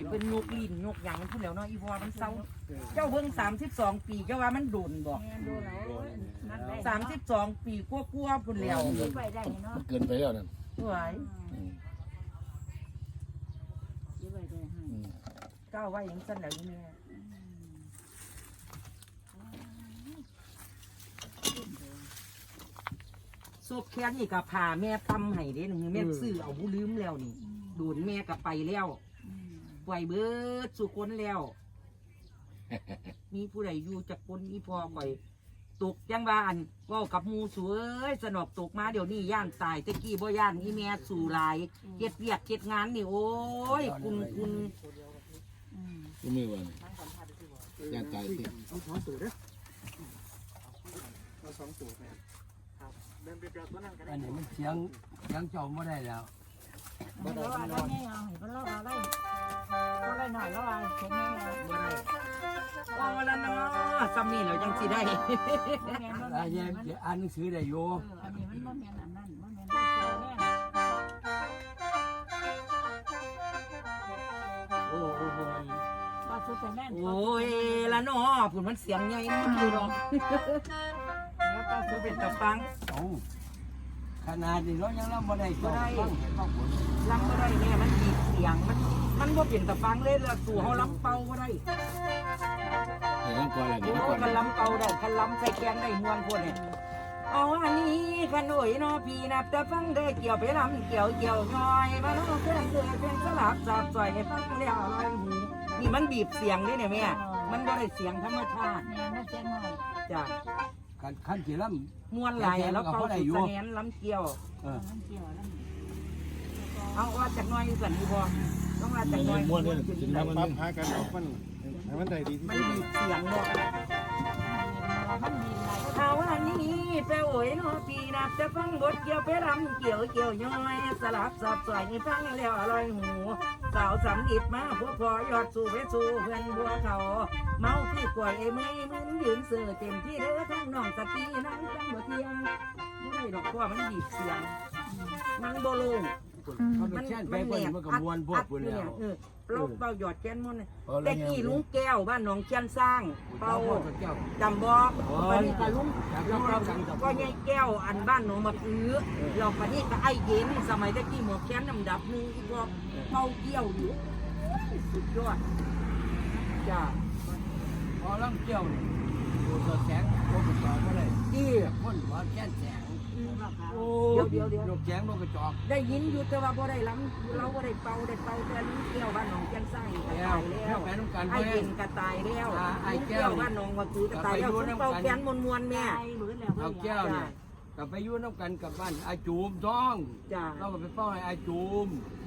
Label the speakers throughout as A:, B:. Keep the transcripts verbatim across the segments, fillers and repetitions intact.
A: เป็นยกลิ้นยกหยังพูดแล้วเนาะอีพอมันเศร้าเจ้าเบิ่งสามสิบสองปีเจ้าว่ามันโดนบ่สามสิบสองปีกลัวๆพุ่นแล้ว
B: มันเกินไปแล้วนั่น
A: สวยก้าวไว้ยังสั้นแล้วนี่แม่ศพแค่นี้กับผ่าแม่ตำให้เด้หนึ่งแม่ซื้อเอาผู้ลืมแล้วนี่โดนแม่กับไปแล้วปล่อยเบิดสู่คนแล้ว มีผู้ใดอยู่จากคนอีพอก่อยตกยังบ้านว่ากับมูสวยสนอกตกมาเดี๋ยวนี้ย่านตายตะกี้บ่ย่านอีแม่สู่ลายเก็ดเวียกเก็ดงานนี่โอ้ยคุณคุณ
B: ก็มือวันย่านตายสิ
C: เอาสองตัวเด้อเอาสองตัวไปครับเดินไปเจอตัวนั้นก็ได้
D: อันนี้มันเสียงเสียงจอมไม่ได้แล้ว
E: บ่ได้บ่ได้ไม่เอาให้มันรอดได้บ่ได้หน่อยรอดแข็งแรงบ่ได้
A: ว่าวันละเนาะซ้ำนี่เรายังสิได้
D: อันนี้อ่านหนังสือได้อยู่
E: อันนี้มันบ่แม่นอันนั้นบ่แม่นได้เสียแน่
D: โอ้โห
E: บ่สุดแต่แม่น
A: โอ้ยละเนาะผุนมันเสียงใหญ่มันอยู่หรอก
E: แล้วก็สุ
A: คือ
E: ด
A: เป็นตะฟัง
D: เอาขนาดนี้เรายังรับบ่ได้จอมฟังเห็นบ้างผล
A: ลำก็ได้แน่มันบีบเสียงมันมันบ่เป็นตะฟังเลยละสู่เขาลำเป่าก็ได้
B: เห็นน้ำก่อนอะไร
A: โอ้
B: น้ำก่อน
A: กันลำเป่าได้กันลำใส่แกงได้มวนพวกเนี่ยเอาอันนี้ขนอยเนาะพี่นับแต่ฟังได้เกี่ยวไปลำเกี่ยวเกี่ยวย่อยมาเนาะเพื่อนเพื่อนเป็นสลับสับใส่ให้ฟังแล้วลอยหูนี่มันบีบเสียงด้วยเนี่ยแม่มันบ่ได้เสียงธรรมชาติ
E: แม่น่าเสียหน่อย
A: จ้ะ
D: ขั้นขั้นที่ล่
A: มวนไหลแล้วเขาสุดแสนลำเกี่ยว
D: ำเออ
E: มันเกี่ยวแล้ว
A: เอาว่าจากน้อยสันดีบ่ต้องว่าจากน้อย
B: ม้วนเลยถึงน้ำมัน
C: ปั๊บหากันออกมันให้มันได้ดีที่
A: มัน
C: สุด
A: มีเสียงเนาะ
E: มันมีหลาย
A: เอาอันนี้ไปโอยเนาะพี่นับจะฟังบทเกี่ยวไปรำเกี่ยวเกี่ยวย่อยสลับสับสอยนี่ฟังแล้วอร่อยหูสาวสำอิดมาพวกพอยอดสู่ไปสู่เพื่อนบัวเขาเมาคือกล้วยไอ้มือมึนยืนเสือเต็มที่เด้อทั้งน้องสตีนั่งจังบ่เทียงไม่ได้ดอกเพราะมันบีบเสียงมันโบลง
D: เขาเป็นแช่นไปคนมันก็มวนพวกคนแล้ว
A: เออเราเป่าหยอดแก้นมันแต่กี้ลุงแก้วบ้านหนองเชียนสร้างเป่าจำบ่ปนี้ก็ลุงเราก็ยายแก้วอันบ้านหนองมะอื้อเราปนี้ก็ไอ้เย็นสมัยตะกี้หมวกแขนดำดับนึงอีกว่าเป่าเกี้ยวอยู่สุดยอดจ้า
D: พอล่ำเกี่ยวนี่ตัวแสงตัวกระจอกก็เลย
A: จี้
D: คนว่าแค่แสง
A: โอ้เดี๋ยวเดี๋ยวเดี๋ยว
D: ลูกแสงลูกกระจอก
A: ได้ยินอยู่แต่ว่าบ่ได้ล้ำเราบ่ได้เป่าได้เป่าแต่ลุงแก้วบ้านหนองเชียนสร้างก็
D: แล้
A: ตา
D: วย
A: แล้ว
D: แม่น้ำกัน
A: ไอ้เย็นก็ตายแล้วลุงแก้วบ้านหนองมะอื้อก็ตายแล้วคุณเป่าแขนมวนๆแม่
E: ตายเหมือนแล้ว
D: เอาแก้วเนี่ยกลับไปยุ่น้ำกันกับบ้านอาจูมท้อง
A: จ้า
D: เราก็ไปเฝ้าให้อาจูม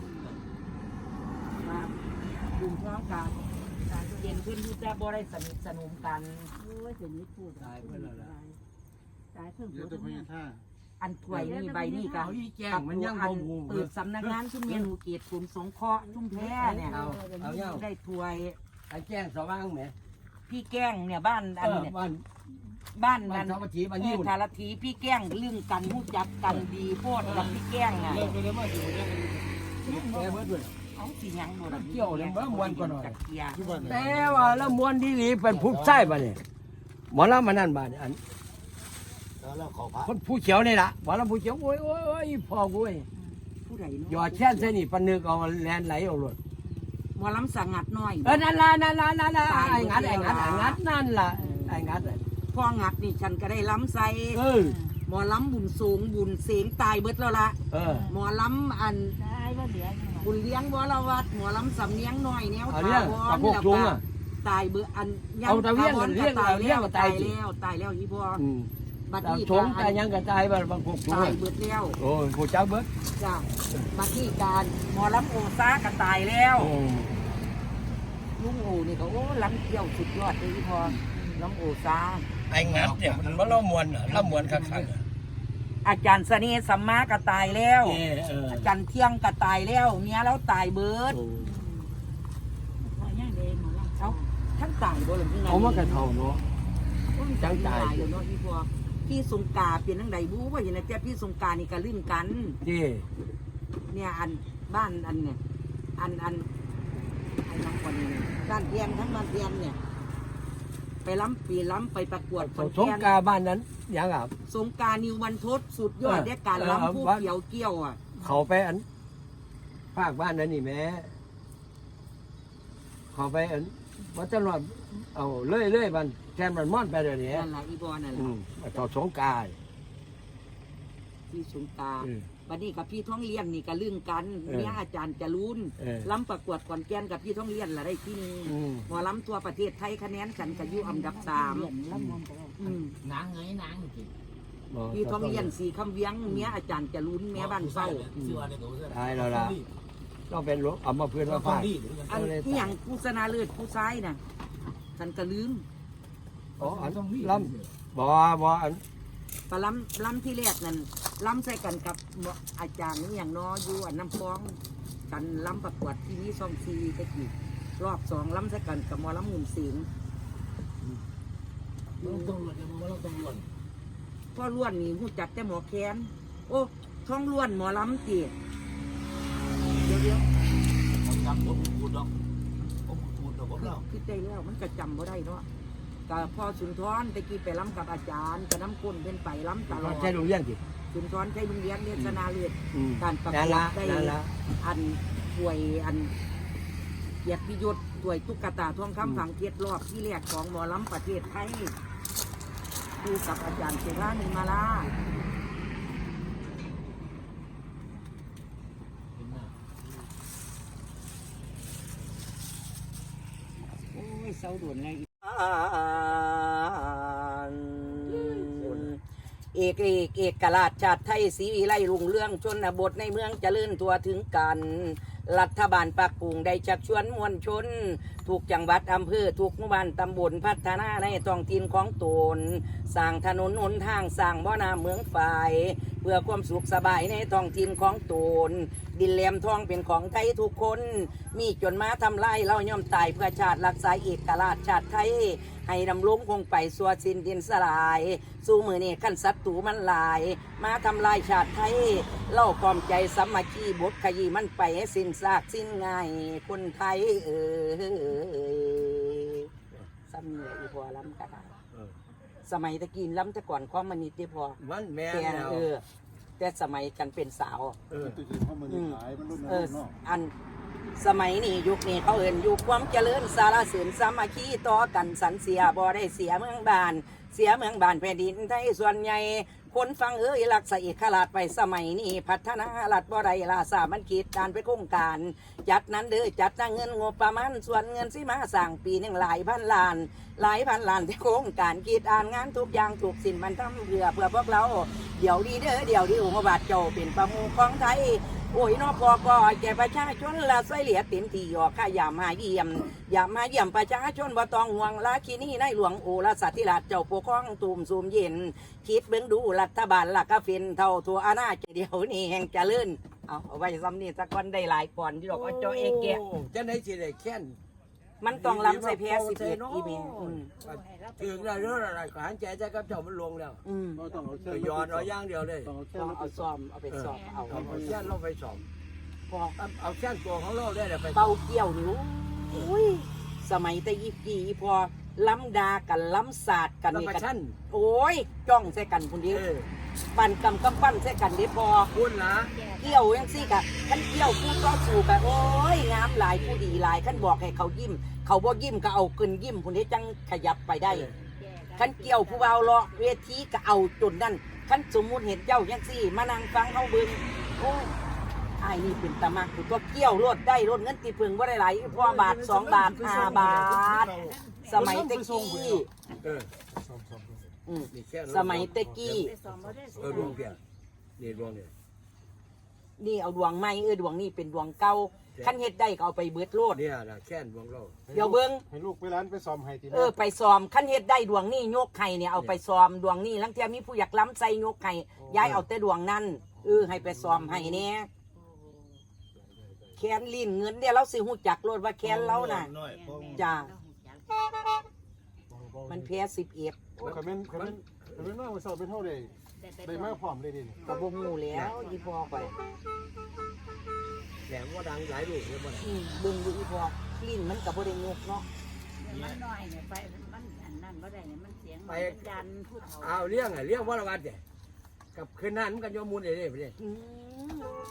A: ครับกลุ่มพร้อมกันเย็นขึ้นที่จะบ่ได้สนิทสนมกัน
E: โอ้ยเดี๋ยวนี้พูด
D: ตายไปแล้วล่ะ
E: ตายเพิ่ง
C: เดี๋ยวจะพยายามท่า
A: อันถวยนี่ใบนี่กัน
D: เอาอีแจ้งมันยัง
A: อั
D: บ่
A: น
D: หู
A: เปิดสำนักงานชุมเมียนูเกียรติกลุ่มสงเคราะห์ชุ่มแพ้เนี่ย
D: เอาเอาเงา
A: ได้ถวย
D: ไอ้แจ้งสว่างไหม
A: พี่แก้งเนี่ยบ้านอัน
D: เออ
A: เนี่ย
D: บ้าน
A: บ้าน
D: บ้า
A: นั้น น
D: สามัคคีบ้าน
A: เอ
D: ยิ้
A: อ
D: ว
A: ทารทีพี่แก้งเรื่องกันหู้จักกันดีโพดกับพี่แก้งอ่ะ
C: เลิกไปเลยมาอยู่เนี่ย
D: แกเบิดด้วย
A: เอาสีหยังบ่ล่ะ
D: เกี่ยวเลยบ่ม่วนกว่าหน่อย
A: จักเกียร์
C: ที่บ้าน
D: แต่ว่าแล้วมวนดีหลีเป็นผู้ใช่ป่ะเนี่ยหมอลำมานั่นบ้านอัน
B: แล้วขอพระ
D: คนผู้เขียวนี่ล่ะหมอลำผู้เขียวโอ้ยโอ้ยโอ้ยพ่อกูเว้ย
A: ผู้ใด
D: หย
A: เนาะ
D: อดแช่นใส่นี่ปนนึกเอาแลนไหลเอาหลด
A: หมอลำสังงัดน้อย
D: เออนั่นล่ะนั่นล่ะนั่นล่ะไอ้งัดไอ้งัดไอ้งัดนั่นล่ะไอ้งัด
A: พ่องัดนี่ฉันก็ได้ล้ำใส่
D: เออ
A: หมอล้ำบุญสูงบุญเสียงตายเบิดแล้วละ
D: เออ
A: หมอล้ำอัน
E: ตายว่าเหลือยังไง
A: บุญเลี้ยงวรวัดหมอล้ำสำเนียงน้อยแนว
D: เอาเรื่อง
A: ถาว
D: เอา
A: ร
D: พวก
A: แล้ว
D: จุง
A: ก็
D: อ่ะ
A: ตายเบิดอัน
D: เอาแต่เลี้ยง
A: ถาวร
D: เลี้ยง
A: ก็ตาย
D: เลี้ยง
A: แล้ว
D: ก็ตา
A: ตาย ย
D: สิ
A: แล้วตายแล้วอีพ่อ
D: อืม
A: บัด
D: ตาม
A: นี้
D: ชงตายยังก็ตายบ้านบางพวกจุง
A: ตายเบิดแล้ว
D: โอ้ยผู้เจ้าเบิด
A: จ้ะบัดนี้การหมอล้ำโอซาก็ตายแล้ว
D: โอ้
A: ลุงโอนี่ก็โอ้ล้ำเกี่ยวสุดยอดเลยอีพ่อล้ำโอซา
D: ไอ้งัดเนี่ยมันว่าเรามวนเรามวนคัก
A: อาจารย์เสน่ห์สัมมาก็ตายแล้ว
D: ๆเออเออ
A: อาจารย์เที่ยงก็ตายแล้วเมียเราตายเบิด
E: พอย่างเดงหมดแล้ว
A: เอาท่านตายบ่หรือยังไง
D: เอามากระเท่าเนาะ จังตาย
A: เดี๋ยวเนาะพี่พอพี่สงกาเป็นทั้งใดบู๊ว่าอย่างไรแต่พี่สงกานี่ก็ลื่นกัน
D: ที่
A: เนี่ยอันบ้านอันเนี่ยอันอันไอ้น้องคนนี้บ้านเทียนทั้งบ้านเทียนเนี่ย ไปล้ำปีล้ำไปประกวดคน
D: สง
A: แก่น
D: กาบ้านนั้นยังอ่ะ
A: สงกรารนิววันทศสุดยอด
D: เออ
A: ในการ
D: เออ
A: ล้ำผู้
D: วัด
A: เกี่ยวเกี่ยวอ่ะ
D: เขาไปอันภาคบ้านนั้นนี่แม่เขาไปอันวัดจันทร์เอาเลื่อยเลื่อยมันแทนมันม่อนไปเดี๋ยวนี้
A: นั่นแหละอีบอนั่นแห
D: อื
A: ละ
D: มต่อสงกา
A: พี่สงกราร
D: เออ
A: บัดนี้กับพี่ท้องเลี้ยนนี่ก็ลึงกัน
D: เออ
A: เนี่ยอาจารย์จะรุน
D: เออ
A: ล้ำประกวดก่อนแกนกับพี่ท้องเลี้ยนละได้ที่หนึง
D: อืม
A: หมอล้ำตัวประเทศไทยคะแนนกันกับอยู่อันดับสามอืม
B: นางเงยนางจริง
A: พี่ท้องเลี้ยนสี่คำเวียงเมียอาจารย์จะรุนเมียบ้านเศร้า
D: ตายแล้วล่ะต้องเป็นรถเอามาเพื่อนมาฟาด
A: อันนี้อย่างผู้ชนะเลิศผู้ซ้ายน่ะฉันก็ลืม
D: อ๋ออันลำบ่บ่อัน
A: ปล้ำล้ำที่แรกนั่นล้ำใส่กันกับหมออาจารย์นี่อย่างน้ออยู่อันน้ำฟองกันล้ำประกวดที่นี่ซองซีตะกี้รอบสองล้ำใส่กันกับหมอล้ำหมุนเสียง
B: ต้องรวนยังไม่ต้องรวน
A: พ่อล้วนนี่หูจักแต่หมอแคนโอ้ท้องล้วนหมอล้ำตีเดี๋ยวเดี๋ยว
B: ผมจำผมพูดดอกผมพูดดอกผม
A: คือ
B: เล่า
A: คือได้แล้วมันก็จำบ่ได้เนาะก็พ่อสุนทรตะกี้ไปล้ำกับอาจารย์ก็น้ำก้นเป็นไปล้ำตลอด
D: ใช่โรงเรียนสิ
A: สุนทรใช้โรงเรียนเรียนสนาเลือด
D: อืม
A: การประก
D: นั่น
A: ว
D: ละ
A: ดได้
D: นั่นละ
A: อันป่วยอันเกียรติยศป่วยตุ๊กตาทอง
D: อืม
A: คำฝังเกียรติรอบที่แรกของหมอล้ำประเทศไทยดูกับอาจารย์เสรานิมาลาโอ้ยเศร้าด่วนเลยเอกเอกเอกราชชาติไทยศรีวิไลรุ่งเรืองชนบทในเมืองเจริญทั่วถึงกัน รัฐบาลปักกุงได้ชักชวนมวลชนทุกจังหวัดอำเภอทุกหมู่บ้านตำบลพัฒนาในท้องถิ่นของตนสร้างถนนหนทางสร้างบ่อน้ำเมืองฝ่าย เพื่อความสุขสบายในท้องถิ่นของตนดินแหลมทองเป็นของไทยทุกคน มีจนมาทำลายเราย่อมตายเพื่อชาติรักษาเอกราชชาติไทย ให้ดำรงคงไปสัวสิ้นดินสลาย สู้มือนี่ขั้นศัตรูมันหลาย มาทำลายชาติไทย เล่าความใจสามัคคีบทขยี้มันไปให้สิ้นซากสิ้นง่ายคนไทยเออซ้ำเนี่ยอีพอล้ำก็ได้
D: เออ
A: สมัยตะกี้ล้ำแต่ก่อนความมันนิดเดียวพอ
D: มันแม่
A: แต่
D: แล้ว
A: เออ แต่สมัยกันเป็นสาว
D: เออ
C: ตุจิตเข้ามาในขายมันรุ่น
A: เอ
C: นั้
A: อน
C: เนาะ
A: อันสมัยนี้ยุคนี้เขาเอินยุคความเจริญสารเสริญสามัคคีต่อกันสันเสียบ่ได้เสียเมืองบาน เสียเมืองบานแผ่นดินไทยส่วนใหญ่คนฟังเอ้ยหลักใส่ขลาดไปสมัยนี้พัฒนาลัดบ่ได้ลาสามันคิดการไปโครงการ จัดนั้นเด้อจัดตั้งเงินงบประมาณส่วนเงินสิมาสั่งปีหนึ่งหลายพันล้าน หลายพันล้านที่โครงการคิดอ่านงานทุกอย่างถูกสินมันทำเพื่อเพื่อพวกเราเดี๋ยวดีเด้อเดี๋ยวดีอุมบาทเจ้าเป็นประมุขของไทย โอ้ยนอพอก็แก่ประชาชนละช่วยเหลือเต็มที่ออกข้าอย่ามาเยี่ยมอย่ามาเยี่ยมประชาชนบ่ต้องห่วงลาคินี่ในหลวงโอรสธิราชเจ้าปกครองตูมซูมเย็นคิดเบิ่งดูรัฐบาลละก็เป็นเท่าทัวอาณาจักรเดียวนี่แห่งเจริญเอาเอาไว้ซ้ำนี่สักคนได้หลายก่อนที่ดอกเอาเจ้าเองแกะ
D: จะได้สิได้แค้น
A: มันต้องล้ำใส่แพ้สิบเอ็ดอีเมลอืม
D: ถึงแล้วเรื่องอะไรก็หันใจใจกับเจ้ามันลงแล้ว
A: อืม
C: เราต้องเอาเส้
D: ก็
C: น
D: ย้อนเอาอย่างเดียวเลย
C: ต้องเอาเส้น
A: ต้องเอาซ้อมเอาไปซ้อมเอา
D: เอาเอาแค้นลงไปสอง
A: พอ
D: เอาเอาแค้นตัวของเราได้เลยไป
A: เป่าเกี่ยวนิ้วอุ้ยสมัยแต่ยี่ปีพอล้ำดากันล้ำศาสตร์กัน
D: แล้ว
A: นี่
D: ประ
A: กัน
D: ชัน
A: โอ้ยจ้องใส่กันคนเดียว
D: เออ
A: ปั่นกำกำปั้นใส่กันเดียวพอ
D: คุณนะ
A: เกี่ยวยังซี่กะขันเกี่ยวผู้ต่อสู้กะโอ้ยงามหลายผู้ดีหลายขันบอกให้เขายิ้ม เขาบ่ยิ้มก็เอากึนยิ้มคนนี้จังขยับไปได้ขันเกี่ยวผู้เบาเลาะเวทีก็เอาจนนั่นขันสมมุติเห็นเจ้ายังซี่มานั่งฟังเขาเบิ่งโอ้ยไอ้นี่เป็นตะมากตัวเกี่ยวรถได้รถเงินตีพึงว่าได้หลายพอบาทสองบาทห้าบาท สมัยตะกี้
D: เออ
A: อืม
D: นี่แค้น
A: สมัยตะกี้
D: เออดวงเพียนี่ดวงเนี่ย
A: นี่เอาดวงใหม่เออดวงนี่เป็นดวงเก่าขั้นเฮ็ดได้ก็เอาไปเบิดโลด
D: เนี่ยนะแค้นดวงเรา
A: เดี๋ยวเบิ่ง
C: ให้ลูกไปร้านไปซ้อมให้ที
A: เออไปซ้อมขั้นเฮ็ดได้ดวงนี่ยกไข่เนี่ยเอาไปซ้อมดวงนี่ลังเทียมีผู้อยากล้ำใส่ยกไข่ย้ายเอาแต่ดวงนั้นเออให้ไปซ้อมให้เนี่ยแคนลิ้นเงินเดี๋ยวเราสิหูจักโลดว่าแคนเราน่ะจ้ามันแพ้สิบเอ็ด
C: คอมเมนต์คอมเมนต์คอมเมนต์ว่าซ้อมเป็นเท่าใดได้มากพร้อมเลยดิ
A: ก็บ่งูแล้วอีพอไป
D: แหลมว่าดังหลายลูกเลยบ่
A: อืมเบิ่งดูอีพอลิ้นมันก็บ่ได้ยกเนาะ
E: มันน้อยเนี่ยไปมันอันนั้นบ่ได้เนี่ยมันเสียงมันยันผู้เฒ่า
D: เอาเลี้ยงอ่ะเลี้ยงวรวัตเนี่ยกับคืนนั้นมันกันโยมูลเด้ไปเลย
A: อืม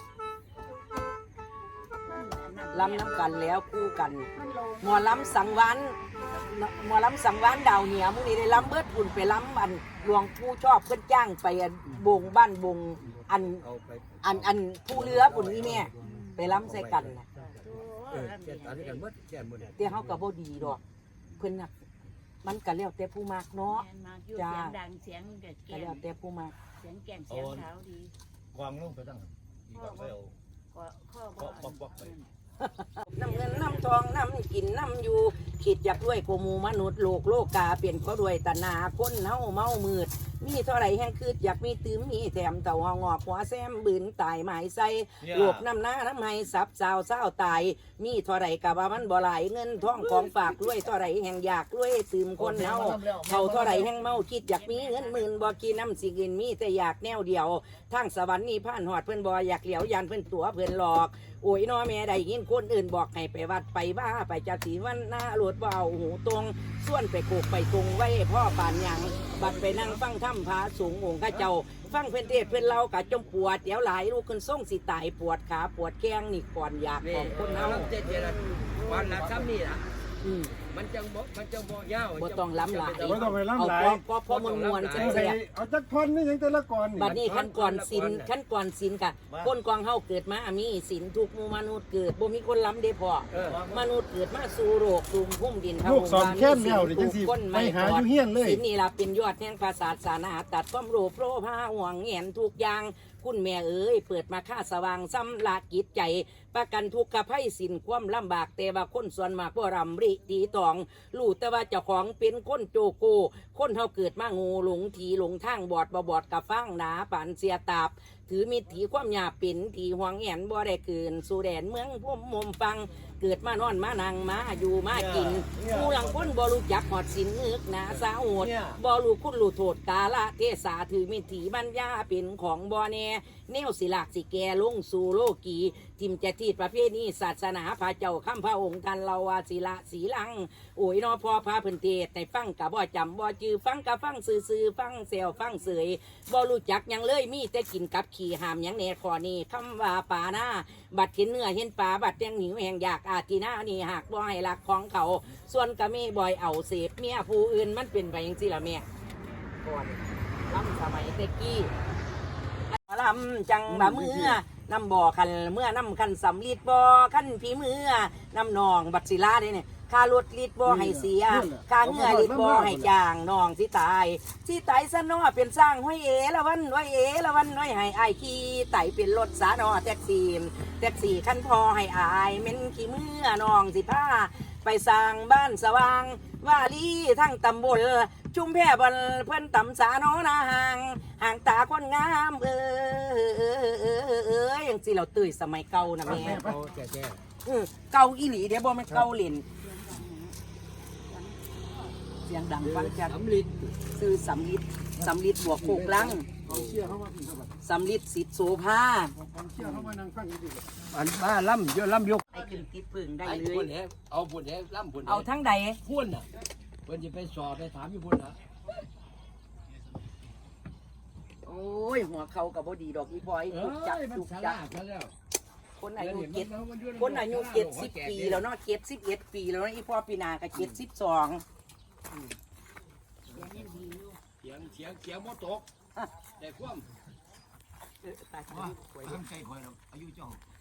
A: ลำน้ำกันแล้วคู่กัน
E: มันโล
A: หมอลำสังวานหมอลำสังวานดาวเหนียวมื้อนี้ได้ลำเบิดพุ่นไปลำอันหลวงปู่ชอบเพิ่นจ้างไปอันบงบ้านบงอัน
D: เอาไป
A: อันอันผู้เรือพุ่นนี่แม่ไปลำใส่กันน่ะ
D: เออแก่ตอนนี้กันหมดแก่หมด
A: แต่เฮาก็บ่ดีดอกเพิ่นน่ะมันก็แล้วแต่ผู้มักเนาะ
E: แม่นมากอยู่เสียงดังเสียงเด็ด
A: ก็
E: แก่
A: แล้วแต่ผู้มัก
E: เสียงแก่นเสียงขาวดี
B: กวางลงไปตั้งอีกไปเอา
E: ก็ข้อ
B: ปอกปอกปอกไป
A: น้ำเงินน้ำทองน้ำกินน้ำอยู่คิดอยากด้วยกว่าหมู่มนุษย์โลกโลกาเปลี่ยนก็ด้วยตนาคนเฮาเมามืด มีเท่าไรแห่งคืดอยากมีตื้มมีแถมเต่าหองอกหัวแซมบืนตายหมายใส่โลกน้ำหน้าน้ำให้สับสาวเศร้าตาย มีเท่าไรกะว่ามันบ่หลายเงินทองของฝากด้วยเท่าไรแห่งอยากด้วยตื้มคนเฮาเขาเท่าไรแห่งเมาคิดอยากมีเงินหมื่นบ่กินน้ำสิกินมีแต่อยากแนวเดียวทางสวรรค์นี่ผ่านหอดเพิ่นบ่อยากเหลียวยันเพิ่นตัวเพิ่นหลอก โอ้ยน้อแม่ได้ยินคนอื่นบอกให้ไปวัดไปบ้าไปจัดสีวันหน้าหลวดเบาหูตรงส่วนไปโขกไปตรงไว้พ่อป่านหยังบัดไปนั่งฟังถ้ำพาสูงองค์ข้าเจ้า ฟังเพื่อนเทศเพื่อนเรากะจมปวดเดี๋ยวหลายลูกขึ้นส่งสิตายปวดขาปวดแข้งนี่ก่อนอยากของคนเฮา
D: เจ็ดเจ็ดวันละซ้ำนี่ล่ะ
A: อืม
D: มันจังบ่มันจังบ่ยาว
A: บ่ต้องล้ำหลาย
C: บ่ต้องไปล้ำหลาย
A: เอาพอพอมวลมวลๆ
C: เอา
A: แซ่บ
C: เอาจักท่อนนี่ยังแต่ละก่อน
A: ๆบัดนี้ขั้นก่อนศีลขั้นก่อนศีลกะคนกองเฮาเกิดมามีศีลทุกหมู่มนุษย์เกิดบ่มีคนล้ำเด้พอ
D: เออ
A: มนุษย์เกิดมาสู่โลกสู่พุ่มดิน
C: ลูกสอนแค้นแล้วเดี๋ยวจังสิไปหาอยู่เฮียนเลย
A: ศีลนี่ล่ะเป็นยอดแห่งภาษาศาสนาตัดความโลภโลภาห่วงแหนทุกอย่างคุณแม่เอ๋ยเปิดมาค่าสว่างซ้ำละกิจใจ ประกันทุกขภัยสินความลำบากแต่ว่าคนส่วนมากบ่รำริตีตองรู้แต่ว่าเจ้าของเป็นคนโจโก คนเฮาเกิดมางูหลงทีหลงทางบอดบ่บอดกับฟังหนาปันเสียตาบ ถือมิตรถีความหยาบเป็นถีห่วงแหนบ่ได้เกินสู่แดนเมืองพุ่มมุมฟัง เกิดมานอนมานั่งมาอยู่มากินผู้หลังคนบ่รู้จักหอดสินนึกหนาสาโหดบ่รู้คุณรู้โทษกาละเทศาถือมิตรถีบัญญาเป็นของบ่แน่แนวสิลากสิแกลงสู่โลกีทิมจะทีดประเภทนี้ศาสนาพระเจ้าข้ามพระองค์ท่านเราว่าศิละสีลัง โอ้ยนอพอพาเพิ่นเทศในฟังกับบ่จำบ่จือฟังกับฟังซื่อๆฟังเซลฟังเสยบ่รู้จักหยังเลยมีแต่กินกับขี่หามหยังแน่ขอนี้คำว่าป่าหน้าบัดเห็นเนื้อเห็นปลาบัดยังหิวแห่งอยากอาทีหน้านี่หากบ่ให้รักของเขา ส่วนก็มีบ่อยเอาเสพเมียผู้อื่นมันเป็นไปจังซี่ล่ะแม่ก่อนล้ำสมัยแตะกี้ลำจังบะเมื่อน้ำบ่อคันเมื่อน้ำคันสำลีดบ่อคันผีเมื่อน้ำนองบัดศิลาเด้เนี่ยค่ารถลิดบ่ให้เสียค่าเงื่อลิดบ่ให้จางน้องสิตายสิตายซะเนาะเป็นสร้างห้อยเอละวันห้อยเอละวันห้อยให้อายขี่ไต่เป็นรถสาเนาะแท็กซี่แท็กซี่คันพอให้อายเม่นขี้เมื่อน้องสิพาไปสร้างบ้านสว่างวาลีทั้งตำบลชุมแพบนเพิ่นตำสาเนาะนาห่างห่างตาคนงามเออเออเออเออเอออย่างสิเราตื่นสมัยเก่านะแม่
D: เอาแก่แก่
A: เออเก่าอีหลีเดี๋ยวบ่แม่นเก่าเล่นเสียงดังฟังจาก
D: สำลิด
A: ซื้อสำลิดสำลิดบวกโคกลัง
C: เอาเชี่ยเข้ามาพี่ครับ
A: สำลิดสิทธิ์โสภา
C: เอาเชี่ยเข้ามานั่งฟังอยู่ดิ
D: อันบ้าล่ำเยอะล่ำยก
A: ไอ้ขึ้นติดพึ่งได้
D: ไอ้
A: เล
D: พุ่น
A: ย
D: แหเอาพุ่นแหล่ำพุ่น
A: เอาทั้งใด
D: พุ่นน่ะเพิ่นจะไปสอบไปถามอยู่พุ่นน่ะ
A: โอ้ยหัวเขากับบ่ดีดอกอีพอย
D: เอ้
A: จุกจัก
D: ยมัน
A: จุก
D: ส
A: จั
D: ลาก ดซะแล้ว
A: คนอายุเจ็ดคนอายุเจ็ดสิบปีแล้วเนาะเจ็ดสิบเอ็ดปีแล้วเนาะอีพ่อปีหนาก็เจ็ดสิบสอง
E: เสียงยังดีอยู่
D: เสียงเสียงเสียงบ่ตกแต่ความ
A: เออตาย
D: ว่าทำใจคอยเราอายุเจ้า